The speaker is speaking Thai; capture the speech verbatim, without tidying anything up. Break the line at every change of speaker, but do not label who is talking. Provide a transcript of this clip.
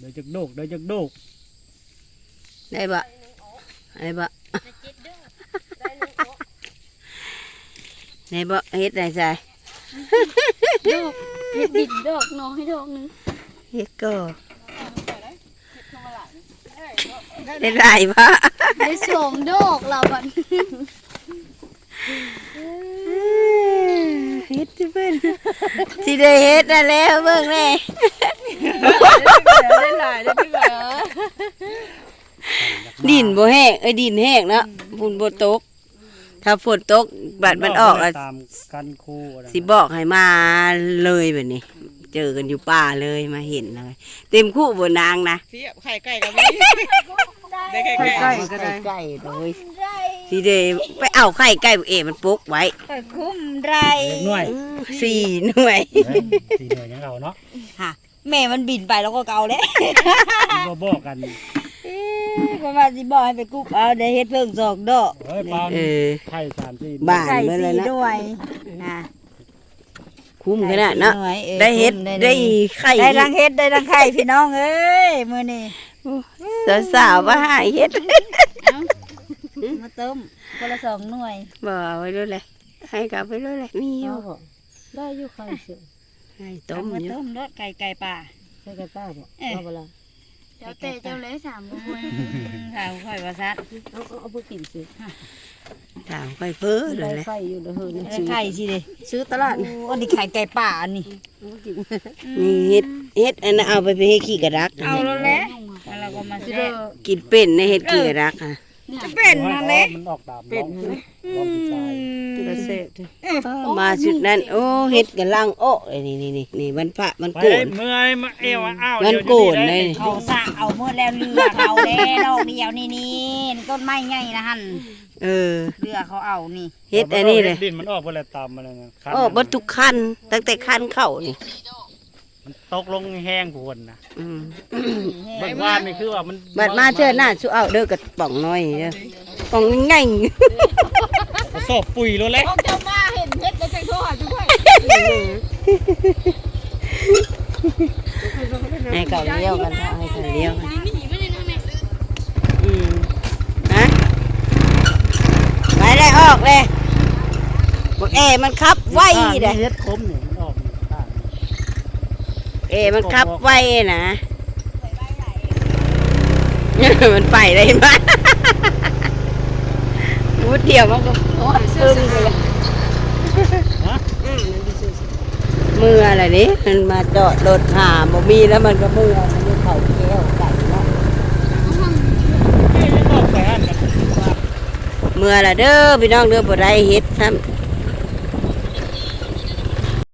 ยวจะโดกเดี๋ยวจะโดก
ได้บ่ได้บ่ได้บ่เฮ็ดได้ใช่
ดอกเฮ็ดดินดอกน้อยดอกนึง
เฮ็ดก็ได้หลายบ่
ได้สองดอกแล้วบัด
เฮ็ดสิเพิ่นสิได้เฮ็ดได้แล้วเบิ่งแน่
ได้หลายได้ที่ว่า
ดินบ่แห้งเอ้ยดินแห้งเนาะฝนบ่ตกถ้าฝนตกบัดมันออกอ่ะ
ตามกันคู่
สิบอกให้มาเลยแบบนี้เจอกันอยู่ป่าเลยมาเห็นเลยเต็มคู่บนนางนะ
เสียบไข่ไก่กับมีได้ไข่ไก่
ก็ได้ไก่เลยทีเดียวไปเอาไข่ไก่เอมันปุ๊กไว้
คุ้มไร
หน่วย
สี่หน่วย
สี่หน่วยยังเราเนาะ
ค่ะแม่มันบินไปแล้วก็เกาแล้ว
บ่บอกกัน
ประมาณสิบอกให้ไปกุ๊กเอาได้เฮ็ดเพิ่งสองดอก
เอ้ยปาไข่สามสี่
บ้านไปเลยนะ
ด้วยนะ
คุ้มขนาดเนาะได้เฮ็ดได้ไข่
ได้ทั้งเฮ็ดได้ทั้งไข่พี่น้องเอ้ยมื้อนี้
สาวๆว่าหาเฮ็ด
มาต้มคนละสองหน่วย
บ่ไว้ด้วยเลยให้กลับไปด้วยเลยมีอยู่
ได้อยู่ไข่เสือ
ไข่ต้มอยู่
ต้มรสไก่ไก่ป่า
ไก่ไก่ป่าบ่เอาบ่ล่ะ
เดี๋ยวเตะเจ้าเล็กสามคนถามค่อยว่าซัด
เอาเอาไปกินสิถามค่อยเพ้อเลย
ไข่อยู่เด้อเฮ้ยไข่สิเด้ซื้อตลาดอันนี้ไข่ไก่ป่าอันนี้
นี่เฮ็ดเฮ็ดอันนั้นเอาไปไปให้ขี้กระดัก
เอาแล้วแหละแล้วก็มาซื้อ
กินเป็นในเฮ็ดขี้กระดักค่ะ
จะเป็นนั่นแหละ
มันออกตามเป็นร้องใจ
กระเซ็มาชุดนั้นโอ้เฮ็ดกันล่างโอ้นี่นี่นี่นี่มันพระมันโกน
เมื่อยมาเอวอ้าว
มันโกนเลย
เขาสร้างเอาเมื่อแล้วเรือเขาแล้วดอกเดียวนี่นี่ต้นไม้ใหญ่นะฮัน
เออ
เรือเขาเอานี่
เฮ็ดอันนี้เลย
ดินมันออกไปแล้วตามมาเลยนะ
โอ้บรรทุกคันตั้งแต่คันเข้านี่
มันตกลงแห้งผวนนะ
บั
ดว่านี่คือว่ามัน
บัดมาเชื่อหน้าสู้เอาเด้อกับป่องน้อยเด้อป่องง่าย
สอบปุ๋ยแล้วแหละ
เจ้ามาเห็นเฮ็ดแล้วจังโทรหาจุ๊ย
ให้เขาเลี้ยวกันให้เขาเลี้ยวอืมฮะไปเลยออกเลยบอกเอมันขับไวเลย
เฮ็ดคมเนี่ยมันออก
เอมันขับไวนะมันไปเลยเห็นไหมมุดเดียวมันก็ตึ้งเลยมืออะไรนี่มันมาจอดรถหาบ่มีแล้วมันก็มือมันเข่าแก้วไก่เนาะมือละเด้อพี่น้องเด้อบ่ได้เฮ็ดซ้ำ